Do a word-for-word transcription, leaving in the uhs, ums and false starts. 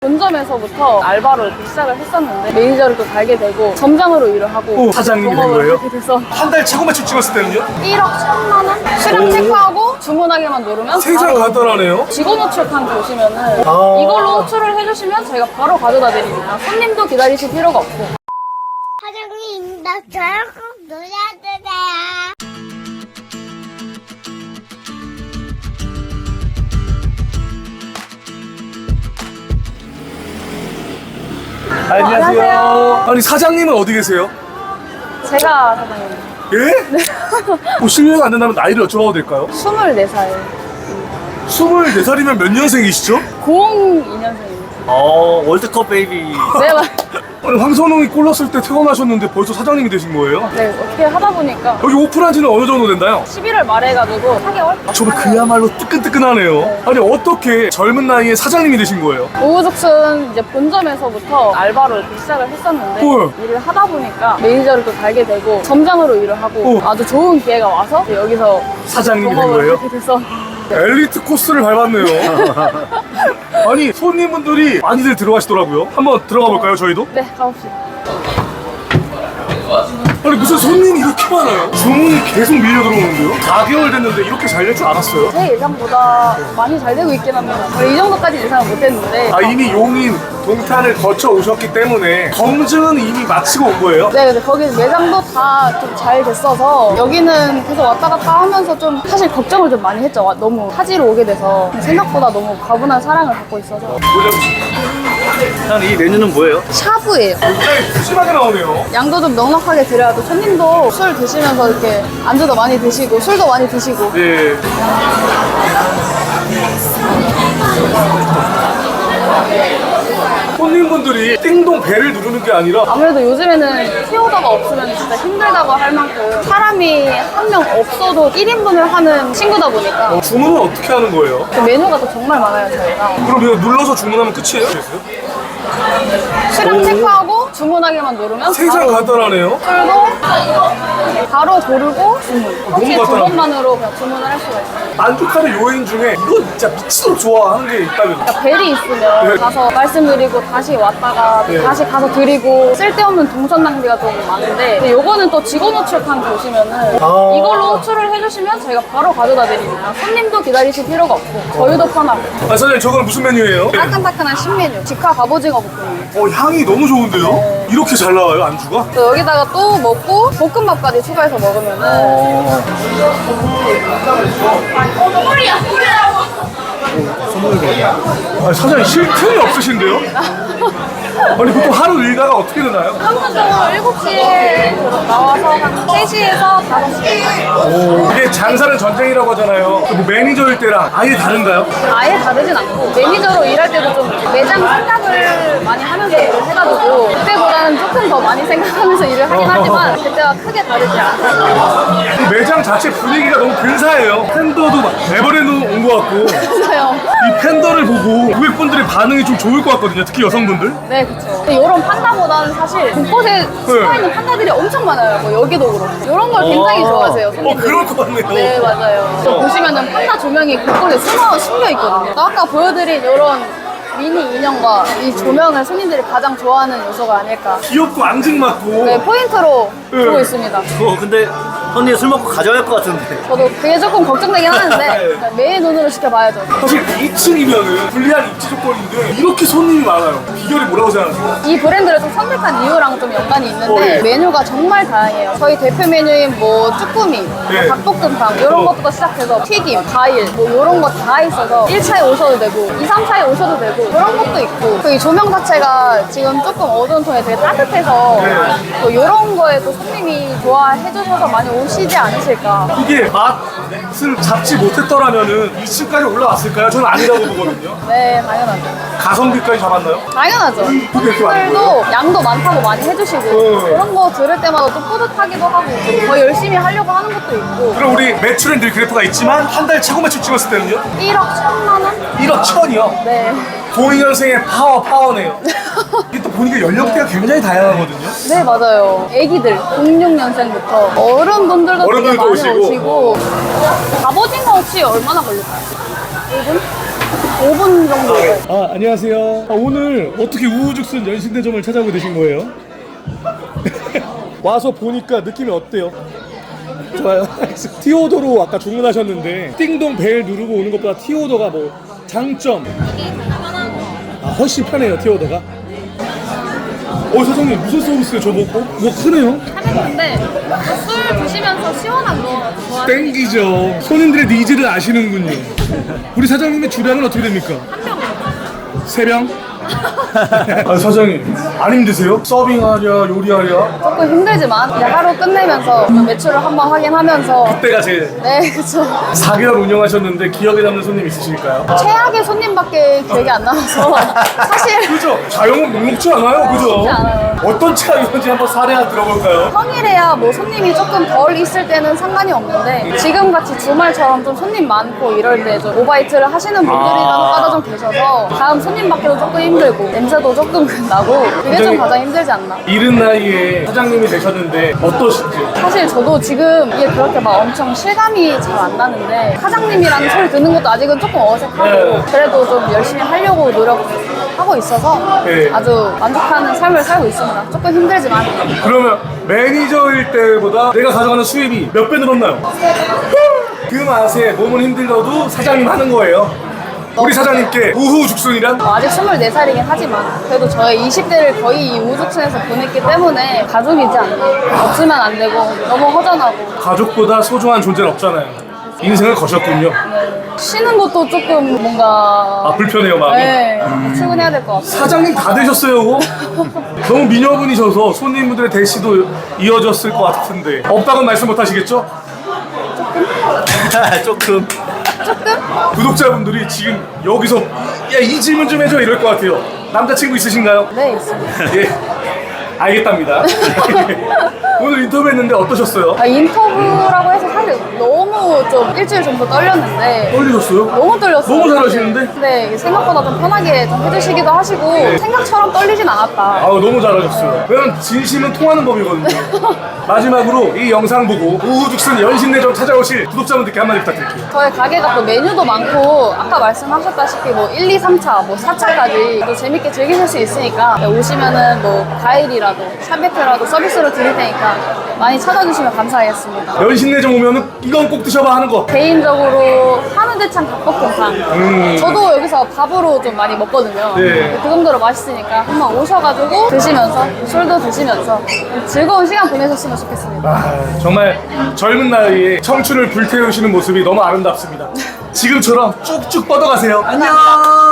본점에서부터 알바로 이렇게 시작을 했었는데 매니저를 또 달게 되고 점장으로 일을 하고 오, 사장님이 된 경험을 거예요? 하게 돼서 한 달 최고 매출 찍었을 때는요? 일억 천만 원? 수량 체크하고 주문하기만 누르면 생산 바로 간단하네요. 직원 호출칸 보시면은 아. 이걸로 호출을 해주시면 저희가 바로 가져다 드립니다. 손님도 기다리실 필요가 없고. 사장님, 나 저랑 꼭 놀아주세요. 안녕하세요. 안녕하세요. 아니 사장님은 어디 계세요? 제가 사장님 예? 뭐 실례가 안 된다면 나이를 여쭤봐도 될까요? 스물네 살 스물네 살이면 몇 년생이시죠? 공이 년생입니다. 어, 월드컵 베이비. 네, 맞- 아니 황선홍이 골 넣었을 때 태어나셨는데 벌써 사장님이 되신 거예요? 네, 어떻게 하다 보니까 여기 오픈한 지는 어느 정도 됐나요? 십일월 말에 해가지고 사 개월? 정말 그야말로 뜨끈뜨끈하네요. 아니 어떻게 젊은 나이에 사장님이 되신 거예요? 오후죽순 이제 본점에서부터 알바로 이렇게 시작을 했었는데 헐. 일을 하다 보니까 매니저를 또 달게 되고 점장으로 일을 하고 어. 아주 좋은 기회가 와서 이제 여기서 사장님이 된 경험을 거예요? 하게 돼서 엘리트 코스를 밟았네요. 아니 손님분들이 많이들 들어가시더라고요. 한번 들어가 볼까요 저희도? 네, 가봅시다. 아니 무슨 손님이 이렇게 많아요? 주문이 계속 밀려 들어오는데요? 사 개월 됐는데 이렇게 잘 될 줄 알았어요? 제 예상보다 많이 잘 되고 있긴 합니다. 이 정도까지 예상을 못했는데 아 이미 용인, 동탄을 거쳐 오셨기 때문에 검증은 이미 마치고 온 거예요? 네, 근데 거기 매장도 다 좀 잘 됐어서 여기는 계속 왔다 갔다 하면서 좀 사실 걱정을 좀 많이 했죠. 와, 너무 타지로 오게 돼서 생각보다 너무 과분한 사랑을 받고 있어서. 형, 이 메뉴는 뭐예요? 샤브예요. 굉장히 푸짐하게 나오네요. 양도 좀 넉넉하게 드려야 또 손님도 술 드시면서 이렇게 안주도 많이 드시고 술도 많이 드시고. 네. 손님분들이 띵동 벨을 누르는 게 아니라 아무래도 요즘에는 티오더가 없으면 진짜 힘들다고 할 만큼 사람이 한 명 없어도 일 인분을 하는 친구다 보니까 주문은 어떻게 하는 거예요? 그 메뉴가 또 정말 많아요, 저희가. 그럼 이거 눌러서 주문하면 끝이에요? 수량 체크하고 주문하기만 누르면 생산 바로 간단하네요. 술도 바로 고르고 주문. 혹시 두 간단하네. 번만으로 그냥 주문을 할 수가 있어요. 만족하는 요인 중에 이거 진짜 미치도록 좋아하는 게 있다면 그러니까 벨이 있으면 네. 가서 말씀드리고 다시 왔다가 네. 다시 가서 드리고 쓸데없는 동선 낭비가 좀 많은데 근데 요거는 또 직원 호출칸 보시면은 아. 이걸로 호출을 해주시면 저희가 바로 가져다 드립니다. 손님도 기다리실 필요가 없고 저희도 편하고 아 사장님 저거는 무슨 메뉴예요? 따끈따끈한 신메뉴 직화 갑오징어 볶음이에요. 어 향이 너무 좋은데요? 이렇게 잘 나와요 안주가? 또 여기다가 또 먹고 볶음밥까지 추가해서 먹으면은 아니 사장님 쉴 틈이 없으신데요? 아니 보통 하루 일과가 어떻게 되나요? 평균적으로 일곱 시에 나와서 한 세 시에서 다섯 시 오, 이게 장사는 전쟁이라고 하잖아요. 뭐 매니저일 때랑 아예 다른가요? 아예 다르진 않고 매니저로 일할 때도 좀 매장 생각을 많이 하면서 일을 해가지고 그때보다는 조금 더 많이 생각하면서 일을 하긴 하지만 그때와 크게 다르지 않아요. 이 매장 자체 분위기가 너무 근사해요. 팬더도 막 에버랜드 온 것 같고 맞아요. 이 팬더를 보고 고객분들의 반응이 좀 좋을 것 같거든요. 특히 여성분들. 네, 그쵸. 이런 판다보다는 사실 곳곳에 숨어있는 판다들이 엄청 많아요. 뭐 여기도 그렇고. 이런 걸 굉장히 좋아하세요. 어 손님들이. 그럴 것 같네요. 네, 맞아요. 또 보시면은 판다 조명이 곳곳에 숨어, 숨겨 있거든요. 또 아까 보여드린 이런 미니 인형과 이 조명을 손님들이 가장 좋아하는 요소가 아닐까. 귀엽고 앙증맞고. 네, 포인트로 네. 두고 있습니다. 어, 근데 형님 술 먹고 가져갈 것 같은데. 저도 그게 조금 걱정되긴 하는데 매일 눈으로 지켜봐야죠. 사실 이 층이면은 불리한 입지 조건인데 이렇게 손님이 많아요. 비결이 뭐라고 생각하세요? 이 브랜드를 좀 선택한 이유랑 좀 연관이 있는데 어, 예. 메뉴가 정말 다양해요. 저희 대표 메뉴인 뭐 쭈꾸미, 네. 닭볶음탕 이런 어. 것부터 시작해서 튀김, 과일 뭐 이런 거 다 있어서 일 차에 오셔도 되고 이, 삼 차에 오셔도 되고 그런 것도 있고 그 이 조명 자체가 지금 조금 어두운 톤에 되게 따뜻해서 네. 또 이런 거에 또 손님이 좋아해 주셔서 많이 오시지 않으실까. 이게 맛을 잡지 못했더라면은 이 층까지 올라왔을까요? 저는 아니라고 보거든요. 네, 당연하죠. 가성비까지 잡았나요? 당연하죠. 그게 이렇게 많이 손님들도 양도 많다고 많이 해주시고 어. 그런 거 들을 때마다 또 뿌듯하기도 하고 더 열심히 하려고 하는 것도 있고 그럼 우리 매출엔 늘 그래프가 있지만 한 달 최고 매출 찍었을 때는요? 일억 천만 원? 일억 천이요? 네. 공이 년생의 파워 파워네요. 이게 또 보니까 연령대가 굉장히 다양하거든요. 네, 맞아요. 애기들, 공육 년생부터 어른분들도 되게 어른들도 많이 오시고. 오시고 갑오징어 혹시 얼마나 걸릴까요? 일 분? 오 분 정도. 아, 안녕하세요. 아, 오늘 어떻게 우후죽순 연신내점을 찾아오게 되신 거예요? 와서 보니까 느낌이 어때요? 좋아요. 티오더로 아까 주문하셨는데 띵동 벨 누르고 오는 것보다 티오더가 뭐 장점. 아, 훨씬 편해요, 티오더가. 어, 사장님 무슨 서비스예요? 저거 어? 뭐 크네요? 근데 술 드시면서 시원한 거 좋아하시니까 땡기죠. 손님들의 니즈를 아시는군요. 우리 사장님의 주량은 어떻게 됩니까? 한 병. 세 병? 아, 사장님 안 힘드세요? 서빙하랴 요리하랴? 조금 힘들지만 이제 하루 끝내면서 그 매출을 한번 확인하면서 그때가 제일 네 그쵸. 사 개월 운영하셨는데 기억에 남는 손님 있으실까요? 최악의 손님밖에 기억이 안 나서 사실 그죠? 자영업 녹록지 않아요? 그죠? 녹록지 않아요. 어떤 차이인지 한번 사례 하나 들어볼까요? 평일에야 뭐 손님이 조금 덜 있을 때는 상관이 없는데 지금같이 주말처럼 좀 손님 많고 이럴 때 좀 오바이트를 하시는 분들이 아. 간혹가다 좀 계셔서 다음 손님 받기도 조금 힘들고 냄새도 조금 나고 그게 좀 가장 힘들지 않나. 이른 나이에 사장님이 되셨는데 어떠신지? 사실 저도 지금 이게 그렇게 막 엄청 실감이 잘 안 나는데 사장님이라는 소리 듣는 것도 아직은 조금 어색하고 네. 그래도 좀 열심히 하려고 노력하고 있어서 네. 아주 만족하는 삶을 살고 있습니다. 조금 힘들지만 그러면 매니저일 때보다 내가 가져가는 수입이 몇 배 늘었나요? 그 맛에 몸은 힘들어도 사장님 하는 거예요. 우리 사장님께 우후죽순이란? 어, 아직 스물네 살이긴 하지만 그래도 저의 이십 대를 거의 이 우주촌에서 보냈기 때문에 가족이지 않나. 없으면 안 되고 너무 허전하고 가족보다 소중한 존재는 없잖아요. 인생을 거셨군요. 쉬는 것도 조금 뭔가 아, 불편해요, 마음이. 네, 출근해야 될 것 같아요. 사장님 다 되셨어요, 그거? 너무 미녀분이셔서 손님분들의 대시도 이어졌을 것 같은데 없다고는 말씀 못 하시겠죠? 조금. 구독자분들이 지금 여기서 야, 이 질문 좀 해줘 이럴 것 같아요. 남자친구 있으신가요? 네, 있습니다. 예, 알겠답니다. 오늘 인터뷰했는데 어떠셨어요? 아, 인터뷰라고 해서 사실 너무 좀 일주일 정도 떨렸는데 떨리셨어요? 너무 떨렸어요. 너무 잘하시는데? 네, 생각보다 좀 편하게 좀 해주시기도 하시고 생각처럼 떨리진 않았다. 아우, 너무 잘하셨어요. 왜냐면 진심은 통하는 법이거든요. 마지막으로 이 영상 보고 우후죽순 연신내점 찾아오실 구독자분들께 한마디 부탁드릴게요. 저희 가게가 또 메뉴도 많고 아까 말씀하셨다시피 뭐 일, 이, 삼 차, 뭐 사 차까지 또 재밌게 즐기실 수 있으니까 오시면은 뭐 과일이라도 샤베트라도 서비스로 드릴 테니까 많이 찾아주시면 감사하겠습니다. 연신내점 오면은 이건 꼭 드셔봐 하는 거. 개인적으로 한우대창 닭볶음탕 음. 저도 여기서 밥으로 좀 많이 먹거든요. 네. 그 정도로 맛있으니까 한번 오셔가지고 드시면서 술도 드시면서 즐거운 시간 보내셨으면 좋겠습니다. 아, 정말 젊은 나이에 청춘을 불태우시는 모습이 너무 아름답습니다. 지금처럼 쭉쭉 뻗어가세요. 안녕.